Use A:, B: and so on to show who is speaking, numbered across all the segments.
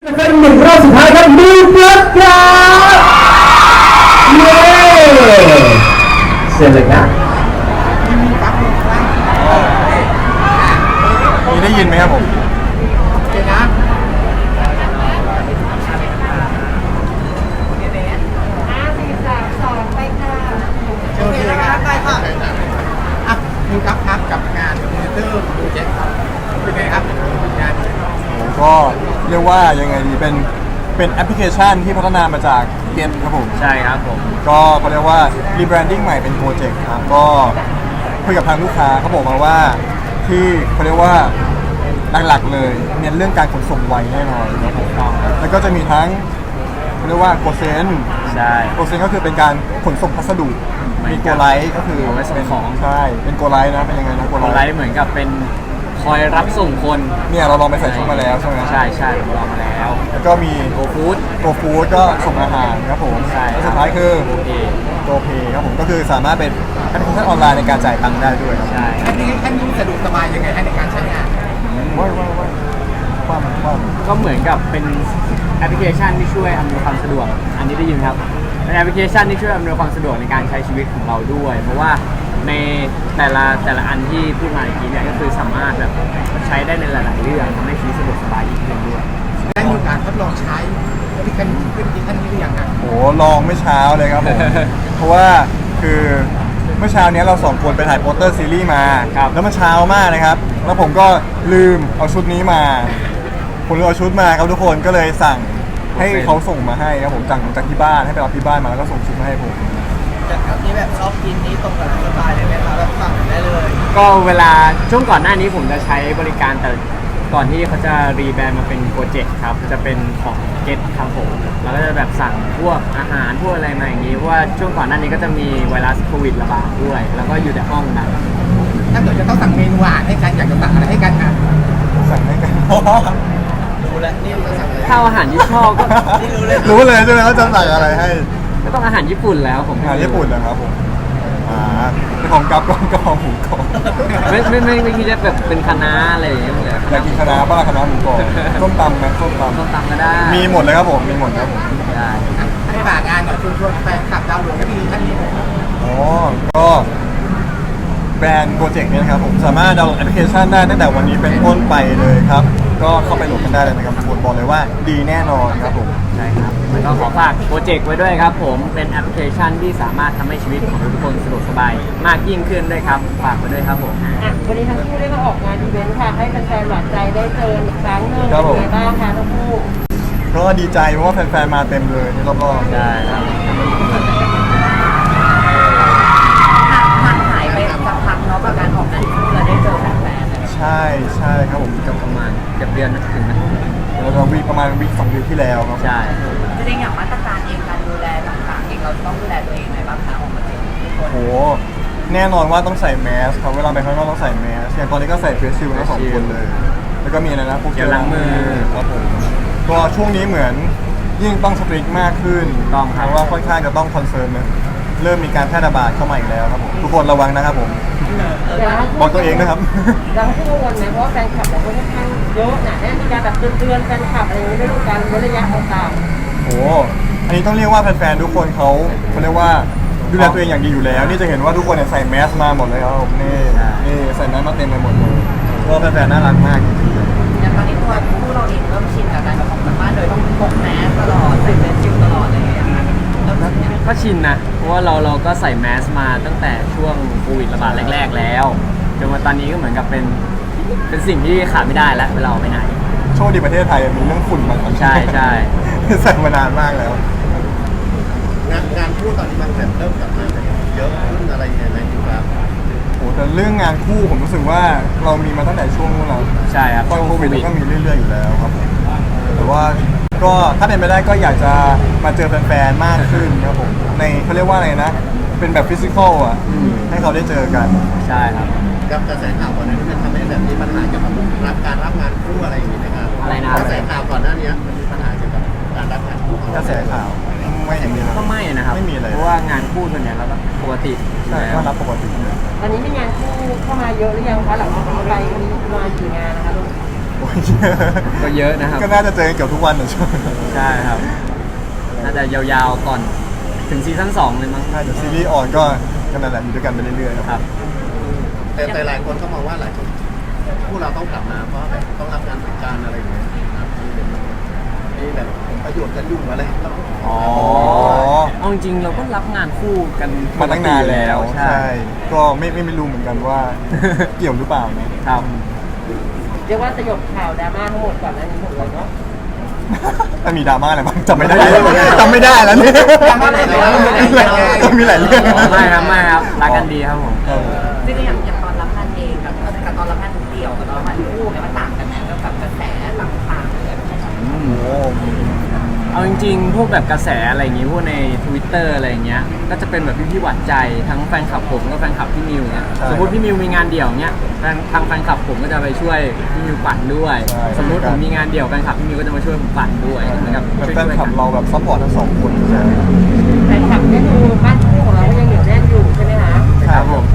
A: เป็นหนึ่งรอบสุดท้ายครับดูเบิร์ดครับเย้เสร็จเลยครับ
B: มีได้ยินไหมครับผม
C: คุณครับกับงานมอนิเตอร์โปรเจกต์ครับเป็นไงครับงาน
B: ก็เรียกว่ายังไงดีเป็นแอปพลิเคชันที่พัฒนามาจากเกมครับผม
D: ใช่ครับผม
B: ก็เขาเรียกว่ารีแบรนดิ้งใหม่เป็นโปรเจกต์ครับก็คุยกับทางลูกค้าเขาบอกมาว่าที่เขาเรียกว่าหลักๆเลยเน้นเรื่องการขนส่งไวแน่นอนครับผมแล้วก็จะมีทั้งเขาเรียกว่าโกเซน
D: ใช่
B: โกเซนก็คือเป็นการขนส่งพัสดุมีโกไลท์ก็คือ
D: เอาไว้ส่งของ
B: ใช่เป็นโกไลท์นะเป็นยังไงนะ
D: โกไลท์เหมือนกับเป็นคอยรับส่งคน
B: เนี่ยเราลองไปใส่ชุดมาแล้วใช่ไหม
D: ใช่เราลองมาแล้ว
B: แล้วก็มี
D: โกฟู้ด
B: ก็ส่งอาหารครับผม
D: ใช่
B: แล้วสุดท้ายคือโกเพครับผมก็คือสามารถเป็นแอปพลิเคชันออนไลน์ในการจ่ายตังค์ได้ด้วยครับ
D: ใช่
C: อันนี้ท่านสะดวกสบายยังไงในการใช้งาน
B: ว่า
D: ก็เหมือนกับเป็นแอปพลิเคชันที่ช่วยอำนวยความสะดวกอันนี้ได้ยินครับเป็นแอปพลิเคชันที่ช่วยอำนวยความสะดวกในการใช้ชีวิตของเราด้วยเพราะว่าในแต่ละอันที่พูดมาอีกทีเนี่ยก็คือสามารถแบบใช้ได้ในหลายๆเรื่องทำให้ชีวิตสะดวกสบายอีกเรื่องด้วย
C: ได้มีการทดลองใช้ที่ท่านนี้หรือยังครับ
B: โอ้ลองไม่เช้าเลยครับผม เพราะว่าคือเมื่อเช้านี้เราสองคนไปถ่ายโปสเตอร์ซีรีส์มาแล้วมันเช้ามากนะครับแล้วผมก็ลืมเอาชุดนี้มาผมลืมเอาชุดมาครับทุกคนก็เลยสั่งให้เขาส่งมาให้ครับผมจากที่บ้านให้ไปรับที่บ้านมาแล้วก็ส่งชุดมาให้ผม
C: จากที่แบบชอบกินนี้ตรงกับสไตล์เลยไหมครับแบบสั่งได้เลย
D: ก็เวลาช่วงก่อนหน้านี้ผมจะใช้บริการแต่ก่อนที่เขาจะรีแบรนด์มาเป็นโปรเจกต์ครับจะเป็นของเก็ตครับผมแล้วก็จะแบบสั่งพวกอาหารพวกอะไรมาอย่างนี้เพราะว่าช่วงก่อนหน้านี้ก็จะมีไวรัสโควิดระบาดด้วยแล้วก็อยู่ในห้องนะ
C: ถ้าเกิดจะต้องสั่งเมนูอาหารให้กันอยากจะสั่งอะไรให้กันครับ
B: สั่งให้กัน
C: รู้แล้วนี่จะสั่งอะไร
D: ถ้าอาหารที่ชอบก็
B: รู้เลยใช่ไหมว่าจะสั่งอะไรให้
D: ก็ต้องอาหารญี่ปุ่นแล้วผม
B: อาหารญี่ปุ่นนะครับผมของกับกองหมูกรอบ
D: ไม่คิดจะแบบเป็นคะน้าอะไรอย่างเงี้ยเลย
B: อยากกินคะน้าบ้างคะน้าหมูกรอบส้มตำไหมส้มต
D: ำก็ได้
B: มีหมดเลยครับผมมีหมดครับผม
D: ได้
C: ให้ฝากงานหน่อยชวนแฟนคลับดาวน์โหลดให้ดีท่านนี้
B: อ๋อก็แบรนด์โปรเจกต์นี้นะครับผมสามารถดาวน์โหลดแอปพลิเคชันได้ตั้งแต่วันนี้เป็นต้นไปเลยครับก็เข้าไปโหลดกันได้เลยนะครับทุกคนบอกเลยว่าดีแน่นอนครับผม
D: ใช่ครับแล้วก็ขอฝากโปรเจกต์ไว้ด้วยครับผมเป็นแอปพลิเคชันที่สามารถทำให้ชีวิตของทุกคนสะดวกสบายมากยิ่งขึ้นด้วยครับฝากไว้ด้วยครับผม
E: วันนี้ทั้งคู่ได้มาออกงานอีเวนต์ค่ะให้แฟนๆหวานใจได้เจออีกครั้งหนึ่งเป็นไงบ้างคะทั้งคู่
B: ก็ดีใจเพราะว่าแฟนๆมาเต็มเลยรอบ
D: ๆใช่ครับ
E: ห่างหายไปสักพักเนาะกับการออกงานคู่แล้วได้เจอแฟน
B: ๆใช่ครับผม
D: กับประมาณเดือนถึงนะ
B: เราวีประมาณวี2 วีที่แล้วครับ
D: ใช่
E: จริงๆอย่างมาตรการเองการดูแลต่างๆเองเราต้องดูแลตัวเองไหมบ้างคะออกมาเจอทุกคน
B: โหแน่นอนว่าต้องใส่แมสครับเวลาไปข้างนอกต้องใส่แมสอย่างตอนนี้ก็ใส่เฟสชิลด์ทั้ง2 คนเลยแล้วก็มีอะไรนะพวก
D: เจลล้างมือ
B: ครับผมก็ช่วงนี้เหมือนยิ่งต้องสตริกมากขึ้น
D: ต้องครับ
B: เพราะว่าค่อนข้างจะต้องคอนเซิร์นนะเริ่มมีการแพร่ระบาดเข้ามาอีกแล้วครับผมทุกคนระวังนะครับผมบอกตัวเองนะครับ
E: เราที่กังวลไหมเพราะว่าแฟนคลับเราค่อนข้างเยอะหนาแน่นมีการแบบเตือนแฟนคลับอะไรอย่างนี้ด้วยกันระยะต่าง
B: ๆโอ้อันนี้ต้องเรียกว่าแฟนๆทุกคนเขาเรียกว่าดูแลตัวเองอย่างดีอยู่แล้วนี่จะเห็นว่าทุกคนใส่แมสมาหมดเลยครับผมนี่ใส่แมสมาเต็มไปหมดเลยเพราะแฟนๆน่ารักมากจริง
E: ๆอย่างตอนนี้ตัวผู้เราเองเริ่มชินกับการออกจากบ้านโดยต้องพกแมสตลอดใส่เฟสชิลตลอดอะไรอย่างเงี้ย
D: ก็ชินนะเพราะว่าเราก็ใส่แมสมาตั้งแต่ช่วงโควิดระบาดแรกๆแล้วจนมาตอนนี้ก็เหมือนกับเป็นสิ่งที่ขาดไม่ได้แล้วเวลาไปไหน
B: โชคดีประเทศไทยมีเรื่องฝุ่นมาก่อน
D: ใช่
B: ใส่มานานมากแล้ว
C: งานคู่ตอนนี้มันเริ่มกลับมาเยอะขึ้นอะไรยังไงครับ
B: โอ้แต่เรื่องงานคู่ผมรู้สึกว่าเรามีมาตั้งแต่ช่วงนู้นแล้ว
D: ใช่ครับ
B: ตอนโควิดก็มีเรื่อยๆอยู่แล้วครับแต่ว่าก็ถ้าเป็นไปได้ก็อยากจะมาเจอแฟนๆมากขึ้นครับผมในเขาเรียกว่าอะไรนะเป็นแบบฟิสิกอลอ่ะให้เขาได้เจอกัน
D: ใช่ครับ
C: กับกระแสข่าวก่อนหน้านี้มันทำให้แบบมีปัญหาเกี่ยวกับการรับงานคู่อะไรอย่างนี้นะครับ
D: อะไรนะ
C: กระแสข่าวก่อนหน้านี้มันมีปัญหาเกี่ยวกับการรับงานคู่
B: กระแสข่าวไม่เห็นมีเลย
D: ก็ไม่นะครับ
B: ไม่มีเลย
D: เพราะว่างานคู่ส่วนใหญ่เราปกติ
B: ใช่ก็รับปกติ
E: ตอนนี้มีงานคู่เข้ามาเยอะหรือยังคะหลังจากนี้ไปมีมากี่งานนะคะลูก
D: ก็เยอะนะครับ
B: ก็น่าจะเจอกันเกือบทุกวันนะช่วง
D: ใช่ครับ น่าจะยาวๆก่อนถึงซีซั่น2เลยมั้ง
B: ใช่เดี๋ยวซีรีส์ออนก็นั่นแหละอยู่ด้วยกันไปเรื่อยๆ
D: ค
B: ค
D: รั
B: รับ บ
C: แต่หลายคนก็มองว่าหลายคนพวกเราต้องกลับมาเพราะแบบต้องรับงานเป็นการอะไรอย่างเงี้ยครับนี่แบบประโยชน์กันยุ่งอะไรเรา
D: อ๋อเอาจริงๆเราก็รับงานคู่กัน
B: มาตั้งนานแล้ว
D: ใช่
B: ใช่ก็ไม่รู้เหมือนกันว่า เกี่ยวหรือเปล่านะครับ
E: เรียกว่าสยบข่าวดราม่าทั้งหมดก่อนหน้านี้หมดเลยเนาะ
B: ถ้ามีดราม่าอะไรบ้างจำไม่ได้จำไม่ได้แล้วเนี่ย
C: ดราม่าอะไรเหรอ
B: มีหลายเรื่อง
D: ไม่ครับรักกันดีครับผม
E: จริงๆอย่างตอนรับงานเองกับตอนรับงานเดี่ยวกับตอนรับงานคู่เนี่ยมันต่างกันไหมแล้วกับกระแสต่างๆอะไรแบบนี้
B: โอ้โห
D: เอาจริงๆ พวกแบบกระแสอะไรอย่างงี้พวกใน Twitter อะไรอย่างเงี้ย ก็จะเป็นแบบพี่ๆหวั่นใจทั้งแฟนคลับผมก็แฟนคลับพี่มิวเนี่ยสมมติพี่มิวมีงานเดี่ยวเนี้ยทางแฟนคลับผมก็จะไปช่วยพี่มิวปั่นด้วย สมมติผมมีงานเดี่ยวแฟนคลับพี่มิวก็จะมาช่วยผมปั่นด้วยนะครับ
B: แฟนคลับเราแบบซัพพอร์ตทั้งสองคนใช่
E: แฟนคลับเนี่ยคือบ้านคู่ของเราก็ยังเหนียวแน่นอยู่ใช่ไหมคะ
D: ครับผม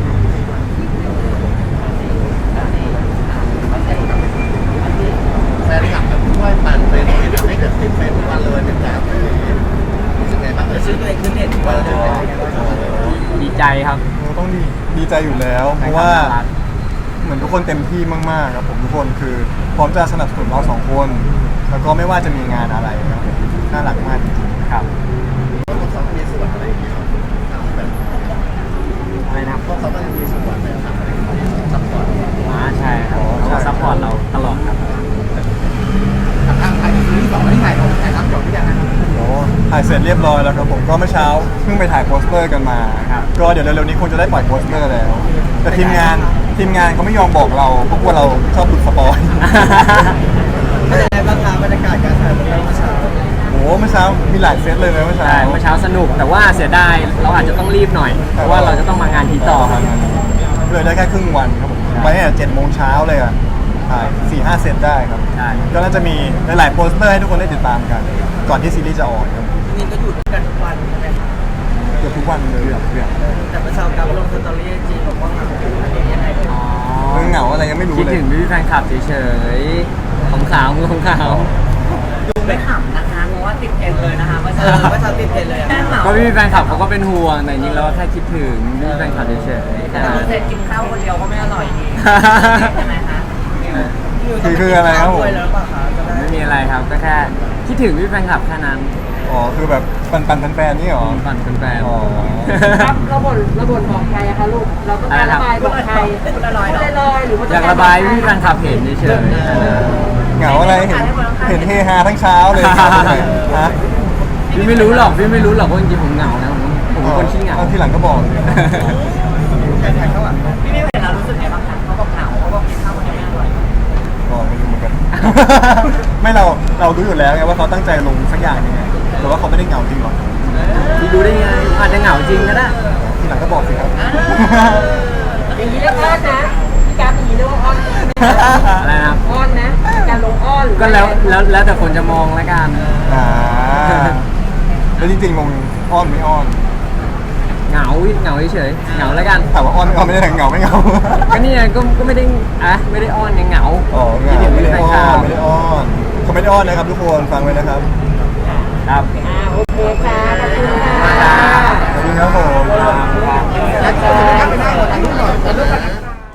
C: แฟนคลับแบบช่วยปั่นไปเลยทำให้เกิดติดเฟซทุกวันเลยเป็นแบบรู้สึกไงบ้างชื่อตัวเองคือเด็ดว่าเราจะเป็นยังไงบ้าง
D: ดีใจครับ
B: ต้องดีใจอยู่แล้ว เพราะว่าเหมือนทุกคนเต็มที่มากๆครับผมทุกคนคือพร้อมจะสนับสนุนเราสองคน แล้วก็ไม่ว่าจะมีงานอะไรครับผมน่ารักมากจริง
D: ครับ
C: พวกเขามีส่วนอะไรอย่างเงี้ยแบบ
D: อะไรนะครับ
C: พวกเขาต้องมีส่วนแบบทำอะไรซัพพอร์ต
D: ใช่ครับเขาก็ซัพพอร์ตเราตลอดครับ
C: ทางไทยซีรีส์สองที่ถ่ายทำจบหรือยังนะ
B: ๆโอ้ถ่ายเสร็จเรียบร้อยแล้วครับผมก็เมื่อเช้าเพิ่งไปถ่ายโปสเตอร์กันมา
D: ครับ
B: ก็เดี๋ยวเร็วๆนี้คงจะได้ปล่อยโปสเตอร์แล้ว แต่ทีมงานเขาไม่ยอมบอกเราเพราะกลัวเราชอบหลุดสปอย
C: เป็นยังไงบ้างคะบรรยากาศการถ่ายเมื่อเช้า
B: โอ้เมื่อเช้ามีหลายเซตเลยนะเมื่อเช้า
D: ใช่เมื่อเช้าสนุกแต่ว่าเสียดายเราอาจจะต้องรีบหน่อย เพราะว่าเราจะต้องมางานทีต่อครับ
B: เลยได้แค่ครึ่งวันครับผมไปตั้งแต่7 โมงเช้าเลยอ่ะถ่าย4-5 เซตได้ครับ
D: ใช่
B: ก็น่าจะมีหลายๆโปสเตอร์ให้ทุกคนได้ติดตามกัน ก่อนที่ซีรีส์จะออนครับ
C: นี่ก็อยู่ด้วยกันทุกวันใช่ไหมคะ
B: เกือบทุกวันเลย
C: แต่เมื่อเช้ากับลงสตอรี่จีบอกว่าอันนี้ยังไง
D: อ๋อ
B: เรื่องเหงาอะไรยังไม่รู้
D: คิด
B: เลย
D: ถึงพี่แฟนคลับเฉยๆของขาวของขาว
E: ดูไม่ขำนะคะเพราะว่าติดเทรนด์เลยนะคะเมื่อ
C: เอ
E: เช้า
C: อเมื่อเช้าติดเทรนด์เลย
E: แค่เหงา
D: ก็พี่แฟนคลับเขาก็เป็นห่วงแต่จริงๆเราแค่คิดถึงพี่แฟนคลับเฉยๆ
E: แต่
D: แค่นั้น
E: เสร็จกินข้าวคนเดียวก็ไม่อร่อยดีใช่ไหมคะ
B: คืออะไรครับผม
C: แล้วป่ะคะจะได้
D: ไม่มีอะไรครับก็แค่คิดถึงพี่แฟนคลับแค่นั้น
B: อ๋อคือแบบปันแฟนๆนี่เหรอ
D: ปั่นเป็นแฟน
B: อ๋อ
E: ครับเราบ่นบอกใครอะคะลูกเราต้องการระบายบอกใครพูดลอยๆหรือว่า
D: อยากระบายพี่แฟนคลับเห็นเฉยๆแค่นั้น
B: เหงาอะไรเห็นเฮฮาทั้งเช้าเลยฮะ
D: พี่ไม่รู้หรอกว่าจริงๆผมเหงานะผมเป็นคนขี้เหงา
B: ทีหลังก็บอก
C: ใครถ่ายข้างหลัง
E: พี่ไม่เห็นเรารู้สึกไงบ้างคะเขาบอกเหงาเขาบอกกินข้าวคนเดียวไม่อร่อย
B: ก็ไม่รู้เหมือนกัน ไม่เรารู้อยู่แล้วไงว่าเขาตั้งใจลงสักอย่างยังไงแต่ว่าเขาไม่ได้เหงาจริงหรอ
D: พี่รู้ได้ไงอาจจะเหงาจริงก็ได้
B: ทีหลังก็บอกสิครับ
E: อย่างนี้เรียกอ้อนนะพี่การอย่างนี้เรียกว่าอ้อน
D: อะไรนะครับ
E: อ้อนนะการลงอ้อนหรือ
D: ก็แล้วแต่คนจะมองแล้วกัน
B: อ่าแล้วจริงๆลงอ้อนไม่อ้อน
D: เหงาเฉยๆเหงาแล้วกัน
B: ถามว่าอ้อนไม่อ้อนไม่ได้เหงาไม่เหงา
D: ก็นี่ไงก็ไม่ได้ไม่ได้อ้อนยังเหงา
B: อ๋อเห
D: คิด
B: งา
D: ถึง
B: ไม่
D: พี่
B: ได้
D: แฟน
B: อ้
D: ค
B: อ
D: ลั
B: น
D: บ
B: ไม่ได้อ้อนเขาไม่ได้อ้อนนะครับทุกคนฟังไว้นะครับ
D: ครับ
E: โอเคค่ะขอบคุณค่ะ
B: ขอบคุณครับผม
C: แล้วก็ไปนั่งถ่ายรูปก่อนถ่ายรูปก่อนนะ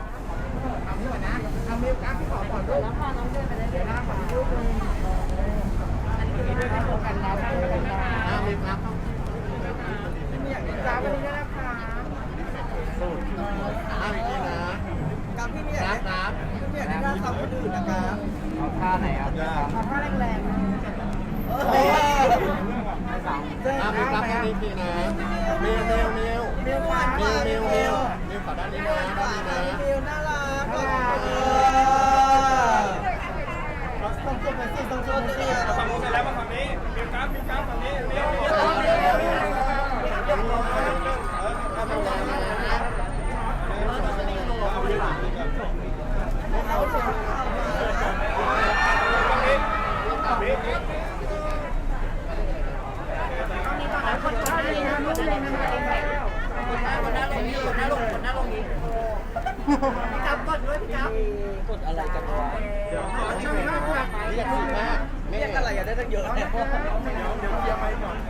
C: กับพี่เนี่ยนะครับพี่เนี่ยได้ทำคนอื่นนะครับ
D: เอาท่าไหนครับ
C: ท่าแรงๆนะเออมีกราฟแค่นี้ทีนะมิวหวานมิวขอด้านนี้นะด้านนี้นะมิวน่ารักต้องจุดไหนสิต้องจุดไหนสิฝั่งนู้นไปแล้วมาฝั่งนี้มิวกราฟฝั่งนี้มิวอยากฉีดมากเรียกอะไรอย่าได้ตั้งเยอะเนี่ย
B: เดี๋ยวเคลียร์ไปก่อน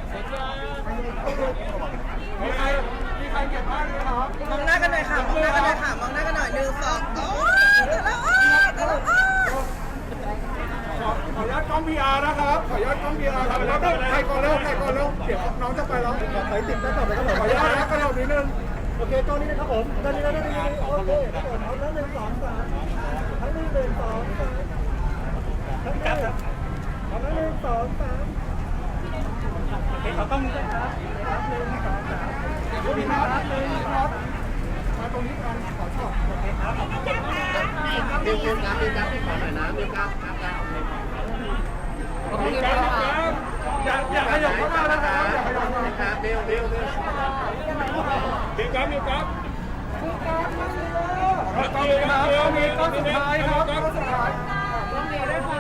B: มีใครเก็บบ้านไหมครับ
E: มองหน้ากันหน่อยค่ะมองหน้ากันหน่อยค่ะมองหน้ากันหน่อย1 2โอ้ยแล้ว
B: ขออนุญาตกล้อง PR นะครับ ขออนุญาตกล้อง PR ครับแล้วก็ใครก่อนเร็วเดี๋ยวน้องจะไปแล้วขอติดได้ก่อนเลยครับผมขออนุญาตนะกระโดดนิดนึงโอเคกล้องนี้นะครับผมด้านนี้โอเคเอาแล้ว1 2 3ทั้งนี้1 2 3ทั้งนี้เอาแล้ว1 2 3โอเคขอต้องนี้ด้วยครับ1 2 3ครับมาตรงนี้กันขอชอบโอเคครับ
C: มิวครับมิวครับที่ขอหน่อยนะมิวครับครับโอเคครับ
B: อย่าขยับเข้ามานะครับอย่าขยับเข้ามา
C: ครับมิว
B: มิวครับมีก้อนสุดท้ายครับก้อนสุดท้ายต้องมีด้วยครับ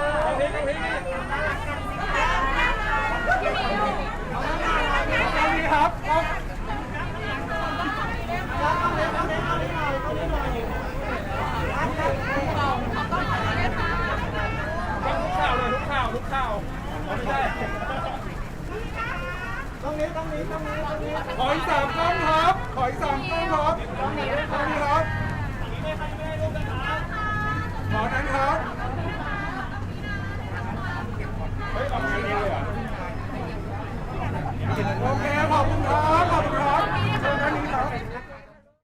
B: ต้องมีครับทุกข่าวไม่ได้ต้องนี้ขออีก3 กล้องครับขออีก3 กล้องครับต้องนี้ครับขอนั้นครับ